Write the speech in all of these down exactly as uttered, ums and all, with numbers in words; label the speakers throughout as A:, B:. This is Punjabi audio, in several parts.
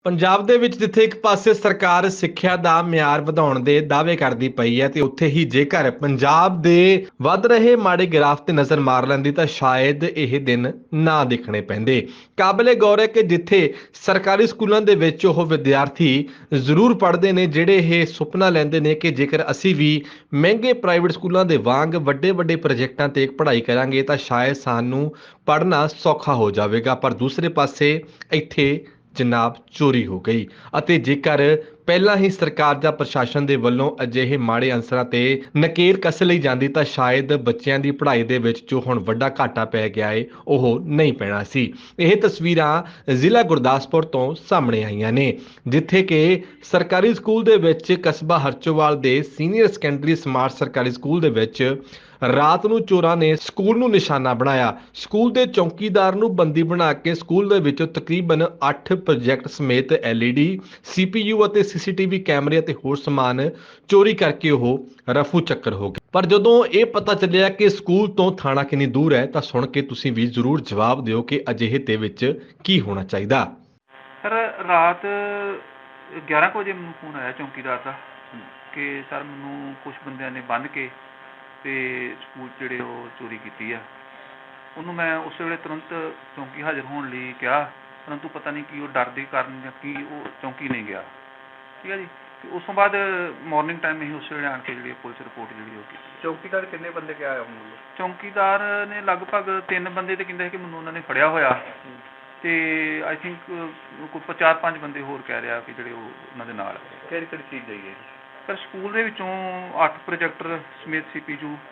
A: ਪੰਜਾਬ ਦੇ ਵਿੱਚ ਜਿੱਥੇ ਇੱਕ ਪਾਸੇ ਸਰਕਾਰ ਸਿੱਖਿਆ ਦਾ ਮਿਆਰ ਵਧਾਉਣ ਦੇ ਦਾਅਵੇ ਕਰਦੀ ਪਈ ਹੈ ਤੇ ਉੱਥੇ ਹੀ ਜੇਕਰ ਪੰਜਾਬ ਦੇ ਵੱਧ ਰਹੇ ਮਾੜੇ ਗ੍ਰਾਫ ਤੇ ਨਜ਼ਰ ਮਾਰ ਲੈਂਦੀ ਤਾਂ ਸ਼ਾਇਦ ਇਹ ਦਿਨ ਨਾ ਦੇਖਣੇ ਪੈਂਦੇ। ਕਾਬਲੇ ਗੌਰ ਹੈ ਕਿ ਜਿੱਥੇ ਸਰਕਾਰੀ ਸਕੂਲਾਂ ਦੇ ਵਿੱਚ ਉਹ ਵਿਦਿਆਰਥੀ ਜ਼ਰੂਰ ਪੜ੍ਹਦੇ ਨੇ ਜਿਹੜੇ ਇਹ ਸੁਪਨਾ ਲੈਂਦੇ ਨੇ ਕਿ ਜੇਕਰ ਅਸੀਂ ਵੀ ਮਹਿੰਗੇ ਪ੍ਰਾਈਵੇਟ ਸਕੂਲਾਂ ਦੇ ਵਾਂਗ ਵੱਡੇ ਵੱਡੇ ਪ੍ਰੋਜੈਕਟਾਂ ਤੇ ਪੜ੍ਹਾਈ ਕਰਾਂਗੇ ਤਾਂ ਸ਼ਾਇਦ ਸਾਨੂੰ ਪੜ੍ਹਨਾ ਸੌਖਾ ਹੋ ਜਾਵੇਗਾ। ਪਰ ਦੂਸਰੇ ਪਾਸੇ ਇੱਥੇ ਜਨਾਬ ਚੋਰੀ ਹੋ ਗਈ ਅਤੇ ਜੇਕਰ ਪਹਿਲਾਂ ਹੀ ਸਰਕਾਰ ਜਾਂ ਪ੍ਰਸ਼ਾਸਨ ਦੇ ਵੱਲੋਂ ਅਜਿਹੇ ਮਾੜੇ ਅਨਸਰਾਂ ਤੇ ਨਕੇਲ ਕੱਸ ਲਈ ਜਾਂਦੀ ਤਾਂ ਸ਼ਾਇਦ ਬੱਚਿਆਂ ਦੀ ਪੜ੍ਹਾਈ ਦੇ ਵਿੱਚ ਜੋ ਹੁਣ ਵੱਡਾ ਘਾਟਾ ਪੈ ਗਿਆ ਏ ਉਹ ਨਹੀਂ ਪੈਣਾ ਸੀ। ਇਹ ਤਸਵੀਰਾਂ ਜ਼ਿਲ੍ਹਾ ਗੁਰਦਾਸਪੁਰ ਤੋਂ ਸਾਹਮਣੇ ਆਈਆਂ ਨੇ ਜਿੱਥੇ ਕਿ ਸਰਕਾਰੀ ਸਕੂਲ ਦੇ ਵਿੱਚ ਕਸਬਾ ਹਰਚੋਵਾਲ ਦੇ ਸੀਨੀਅਰ ਸੈਕੰਡਰੀ ਸਮਾਰਟ ਸਰਕਾਰੀ ਸਕੂਲ ਦੇ ਵਿੱਚ ਰਾਤ ਨੂੰ ਚੋਰਾਂ ਨੇ ਸਕੂਲ ਨੂੰ ਨਿਸ਼ਾਨਾ ਬਣਾਇਆ। ਸਕੂਲ ਦੇ ਚੌਕੀਦਾਰ ਨੂੰ ਬੰਦੀ ਬਣਾ ਕੇ ਸਕੂਲ ਦੇ ਵਿੱਚੋਂ ਤਕਰੀਬਨ ਅੱਠ ਪ੍ਰੋਜੈਕਟ ਸਮੇਤ L E D, C P U ਅਤੇ ਸੀ ਸੀ ਟੀ ਵੀ ਕੈਮਰੇ ਅਤੇ ਹੋਰ ਸਮਾਨ ਚੋਰੀ ਕਰਕੇ ਉਹ ਰਫੂ ਚੱਕਰ ਹੋ ਗਏ। ਪਰ ਜਦੋਂ ਇਹ ਪਤਾ ਚੱਲਿਆ ਕਿ ਸਕੂਲ ਤੋਂ ਥਾਣਾ ਕਿੰਨੀ ਦੂਰ ਹੈ ਤਾਂ ਸੁਣ ਕੇ ਤੁਸੀਂ ਵੀ ਜ਼ਰੂਰ ਜਵਾਬ ਦਿਓ ਕਿ ਅਜਿਹੇ ਦੇ ਵਿੱਚ ਕੀ ਹੋਣਾ ਚਾਹੀਦਾ।
B: ਸਰ ਰਾਤ ਗਿਆਰਾਂ ਕੁ ਵਜੇ ਮੈਨੂੰ ਫੋਨ ਆਇਆ ਚੌਂਕੀਦਾਰ ਦਾ ਕਿ ਸਰ ਮੈਨੂੰ ਕੁਛ ਬੰਦਿਆਂ ਨੇ ਬੰਨ੍ਹ ਕੇ ਤੇ ਸਕੂਲ ਜਿਹੜੇ ਉਹ ਚੋਰੀ ਕੀਤੀ ਆ। ਉਹਨੂੰ ਮੈਂ ਉਸ ਵੇਲੇ ਤੁਰੰਤ ਚੌਂਕੀ ਹਾਜ਼ਰ ਹੋਣ ਲਈ ਕਿਹਾ, ਪਰੰਤੂ ਪਤਾ ਨਹੀਂ ਕੀ ਉਹ ਡਰ ਦੇ ਕਾਰਨ ਜਾਂ ਕੀ ਉਹ ਚੌਂਕੀ ਨਹੀਂ ਗਿਆ। ਠੀਕ ਹੈ ਜੀ। ਅਤੇ ਉਸ ਤੋਂ ਬਾਅਦ ਮਾਰਨਿੰਗ ਟਾਈਮ ਅਸੀਂ ਉਸ ਵੇਲੇ ਆਣ ਕੇ ਜਿਹੜੀ ਪੁਲਿਸ ਰਿਪੋਰਟ ਜਿਹੜੀ ਉਹ ਕੀਤੀ।
C: ਚੌਕੀਦਾਰ ਕਿੰਨੇ ਬੰਦੇ ਕਿਹਾ ਆਇਆ ਹੁਣ?
B: ਚੌਂਕੀਦਾਰ ਨੇ ਲਗਭਗ ਤਿੰਨ ਬੰਦੇ ਤੇ ਕਹਿੰਦੇ ਕਿ ਮੈਨੂੰ ਉਹਨਾਂ ਨੇ ਫੜਿਆ ਹੋਇਆ ਤੇ ਆਈ ਥਿੰਕ ਕੋਈ ਚਾਰ ਪੰਜ ਬੰਦੇ ਹੋਰ ਕਹਿ ਰਿਹਾ ਕਿ ਜਿਹੜੇ ਉਹ ਉਹਨਾਂ ਦੇ ਨਾਲ।
C: ਕਿਹੜੀ ਕਿਹੜੀ ਚੀਜ਼ ਜਾਈ ਹੈ
B: ਸਰ? ਸਕੂਲ ਦੇ ਵਿੱਚੋਂ ਅੱਠ ਪ੍ਰੋਜੈਕਟਰ ਸਮੇਤ ਸੀ ਪੀ ਯੂ,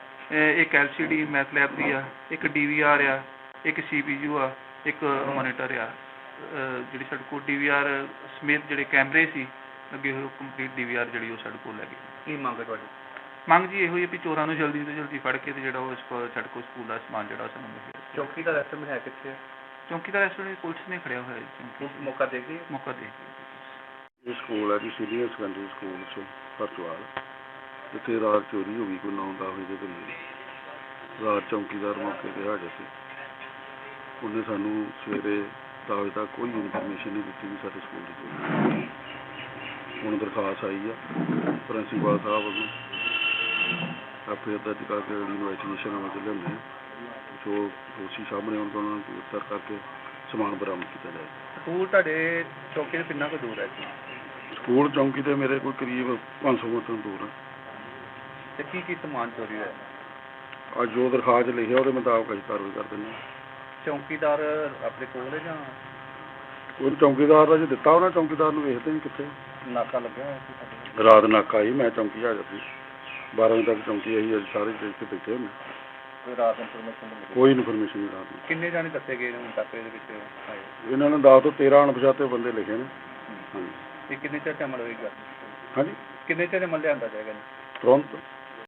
B: ਇੱਕ L C D math lab ਦੀ ਆ, ਇੱਕ ਡੀ ਵੀ ਆਰ ਆ, ਇੱਕ ਸੀ ਪੀ ਯੂ ਆ, ਇੱਕ ਮੋਨੀਟਰ ਆ। ਜਿਹੜੀ ਸਾਡੇ ਕੋਲ ਡੀ ਵੀ ਆਰ ਸਮੇਤ ਜਿਹੜੇ ਕੈਮਰੇ ਸੀ ਲੱਗੇ ਹੋਏ ਕੰਪਲੀਟ ਡੀ ਵੀ ਆਰ ਜਿਹੜੀ ਉਹ ਸਾਡੇ ਕੋਲ ਲੈ ਗਏ।
C: ਕੀ ਮੰਗ ਹੈ ਤੁਹਾਡੀ?
B: ਮੰਗ ਜੀ ਇਹੋ ਹੀ ਹੈ ਵੀ ਚੋਰਾਂ ਨੂੰ ਜਲਦੀ ਤੋਂ ਜਲਦੀ ਫੜ ਕੇ ਤੇ ਜਿਹੜਾ ਉਹ ਇਸ ਕੋਲ ਸਾਡੇ ਕੋਲ ਸਕੂਲ ਦਾ ਸਮਾਨ ਜਿਹੜਾ ਸਾਨੂੰ ਮਿਲੇ।
C: ਚੌਕੀਦਾਰ ਇਸ ਸਮੇਂ ਹੈ ਕਿੱਥੇ?
B: ਚੌਂਕੀਦਾਰ ਇਸ ਵੇਲੇ ਪੁਲਿਸ ਨੇ ਖੜਿਆ ਹੋਇਆ ਜੀ।
C: ਚੌਂਕੀ ਮੌਕਾ ਦੇ ਗਈ?
B: ਮੌਕਾ ਦੇ
D: ਇਹ ਸਕੂਲ ਹੈ ਜੀ ਸੀਨੀਅਰ ਸੈਕੰਡਰੀ ਸਕੂਲ 'ਚ ਹਰਚੋਵਾਲ। ਇੱਥੇ ਰਾਤ ਚੋਰੀ ਹੋ ਗਈ ਕੋਈ ਨੌ ਦਸ ਵਜੇ ਦੇ ਕਰੀਬ। ਰਾਤ ਚੌਂਕੀਦਾਰ ਮੌਕੇ 'ਤੇ ਹਾਜ਼ਰ ਸੀ। ਉਹਨੇ ਸਾਨੂੰ ਸਵੇਰੇ ਦਸ ਵਜੇ ਤੱਕ ਕੋਈ ਇਨਫੋਰਮੇਸ਼ਨ ਨਹੀਂ ਦਿੱਤੀ ਵੀ ਸਾਡੇ ਸਕੂਲ ਦੀ ਚੋਰੀ। ਹੁਣ ਦਰਖਾਸਤ ਆਈ ਆ ਪ੍ਰਿੰਸੀਪਲ ਸਾਹਿਬ ਵੱਲੋਂ, ਆਪੇ ਦਰਜ ਕਰਕੇ ਇਨਵੈਸਟੀਗੇਸ਼ਨ ਅਮਲ 'ਚ ਲਿਆਉਂਦੇ ਜੋ ਦੋਸ਼ੀ ਸਾਹਮਣੇ ਆਉਣ ਤੋਂ ਉਹਨਾਂ ਨੂੰ ਗ੍ਰਿਫਤਾਰ ਕਰਕੇ ਸਮਾਨ ਬਰਾਮਦ ਕੀਤਾ ਜਾਏ।
C: ਸਕੂਲ ਤੁਹਾਡੇ ਚੌਕੀ ਤੋਂ ਕਿੰਨਾ ਕੁ ਦੂਰ ਹੈ ਜੀ?
D: ਸਕੂਲ ਚੌਂਕੀ ਤੇ ਮੇਰੇ ਕੋਈ ਕਰੀਬ ਪੰਜ ਸੌ ਮੀਟਰ ਦੂਰ ਹੈ।
C: ਅਤੇ ਕੀ ਕੀ ਸਮਾਨ ਚੋਰੀ ਹੋਇਆ?
D: ਅੱਜ ਜੋ ਦਰਖਾਸਤ ਲਿਖਿਆ ਉਹਦੇ ਮੁਤਾਬਕ ਅਸੀਂ ਕਾਰਵਾਈ ਕਰ ਦਿੰਦੇ ਹਾਂ।
C: ਚੌਕੀਦਾਰ ਆਪਣੇ ਕੋਲ ਹੈ ਜਾਂ
D: ਉਹ ਚੌਂਕੀਦਾਰ ਦਾ ਜੇ ਦਿੱਤਾ ਉਹਨਾਂ ਚੌਂਕੀਦਾਰ ਨੂੰ ਵੇਖਦੇ ਨਹੀਂ ਕਿੱਥੇ
C: ਨਾਕਾ ਲੱਗਿਆ ਹੋਇਆ ਸੀ ਸਾਡੇ?
D: ਰਾਤ ਨਾਕਾ ਸੀ, ਮੈਂ ਚੌਂਕੀ ਹਾਜ਼ਰ ਸੀ। ਬਾਰਾਂ ਵਜੇ ਤੱਕ ਚੌਂਕੀ ਆਈ, ਅੱਜ ਸਾਰੇ ਇੱਥੇ ਬੈਠੇ ਹੁੰਦੇ।
C: ਕੋਈ ਰਾਤ ਇਨਫੋਰਮੇਸ਼ਨ ਨਹੀਂ ਮਿਲੀ?
D: ਕੋਈ ਇਨਫੋਰਮੇਸ਼ਨ ਨਹੀਂ ਰਾਤ ਨੂੰ।
C: ਕਿੰਨੇ ਜਾਣੇ ਦੱਸੇ ਗਏ ਨੇ ਹੁਣ ਤੱਕ ਇਹਦੇ ਵਿੱਚ ਆਏ?
D: ਇਹਨਾਂ ਨੇ ਦਸ ਤੋਂ ਤੇਰਾਂ ਅਣਪਛਾਤੇ ਬੰਦੇ ਲਿਖੇ ਨੇ। ਹਾਂਜੀ।
C: ਇਹ ਕਿੰਨੇ ਚਿਰ 'ਚ ਅਮਲ ਹੋਏਗਾ?
D: ਹਾਂਜੀ
C: ਕਿੰਨੇ ਚਿਰ ਅਮਲ ਲਿਆਂਦਾ ਜਾਏਗਾ ਜੀ?
D: ਤੁਰੰਤ।